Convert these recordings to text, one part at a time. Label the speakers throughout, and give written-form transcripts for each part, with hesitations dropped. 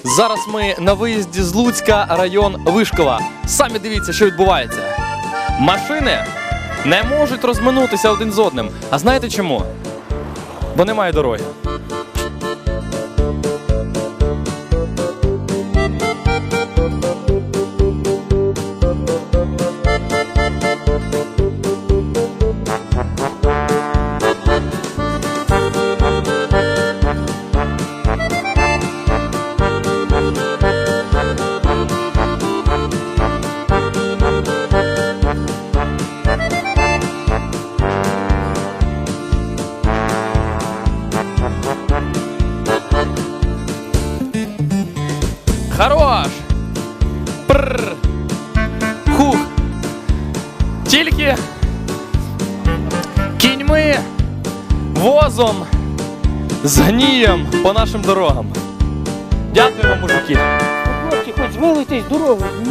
Speaker 1: Зараз ми на виїзді з Луцька, район Вишкова. Самі дивіться, що відбувається. Машини не можуть розминутися один з одним. А знаєте чому? Бо немає дороги. Хорош! Прррр! Хух! Тільки кіньми, возом, з гнієм по нашим дорогам. Дякую вам, мужики.
Speaker 2: Хлопці, хоч змилуйтесь дорогу. Ні.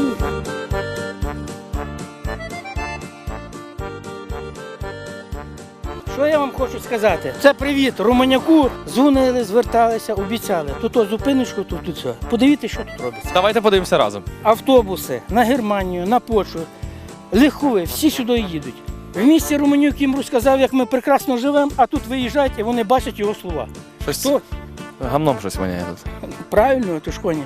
Speaker 2: Що я вам хочу сказати? Це привіт Романяку. Дзвонили, зверталися, обіцяли. Тут зупиночку, тут все. Подивіться, що тут робиться.
Speaker 1: Давайте подивимося разом.
Speaker 2: Автобуси на Германію, на Польщу, легкові, всі сюди їдуть. В місті Романюк їм розказав, як ми прекрасно живемо, а тут виїжджають і вони бачать його слова.
Speaker 1: Щось
Speaker 2: То,
Speaker 1: гамном щось воняє тут.
Speaker 2: правильно, то ж коні.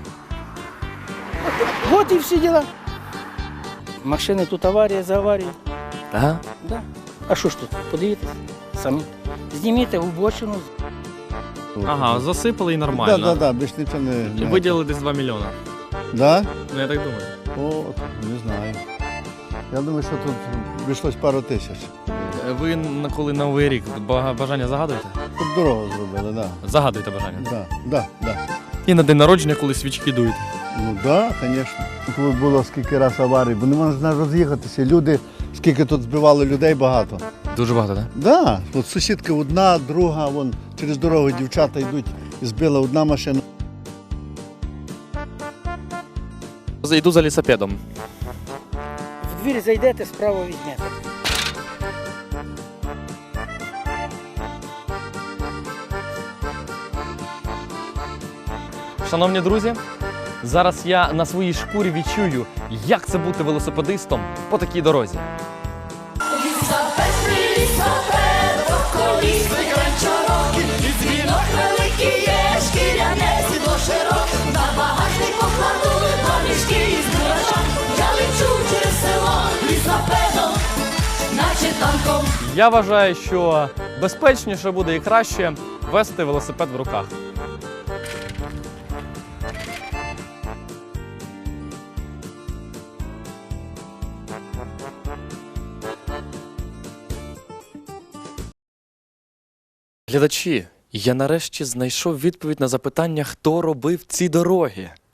Speaker 2: От і всі діла. Машини тут аварія за аварією.
Speaker 1: Ага.
Speaker 2: Да. А що ж тут? Подивіться самі. Зніміть в обочину.
Speaker 3: Ага, засипали і нормально.
Speaker 4: Да, більш нічого не...
Speaker 3: І виділили десь 2 мільйони.
Speaker 4: Да?
Speaker 3: Ну я так думаю.
Speaker 4: О, не знаю. Я думаю, що тут вийшлось пару тисяч.
Speaker 1: Ви коли Новий рік бажання загадуєте?
Speaker 4: Тут дорогу зробили, да.
Speaker 1: Загадуйте бажання.
Speaker 4: Да.
Speaker 1: І на день народження, коли свічки дують.
Speaker 4: Ну да, звісно. Тут було скільки раз аварій, бо не можна роз'їхатися. Люди, скільки тут збивали людей багато.
Speaker 1: Дуже багато, так?
Speaker 4: Да, от сусідка одна, друга, вон через дорогу дівчата йдуть, і збила одна машина.
Speaker 1: Йду за лісопедом.
Speaker 2: В двір зайдете, справа візьмете.
Speaker 1: Шановні друзі, зараз я на своїй шкурі відчую, як це бути велосипедистом по такій дорозі. Я вважаю, що безпечніше буде і краще вести велосипед в руках. Глядачі, я нарешті знайшов відповідь на запитання, хто робив ці дороги.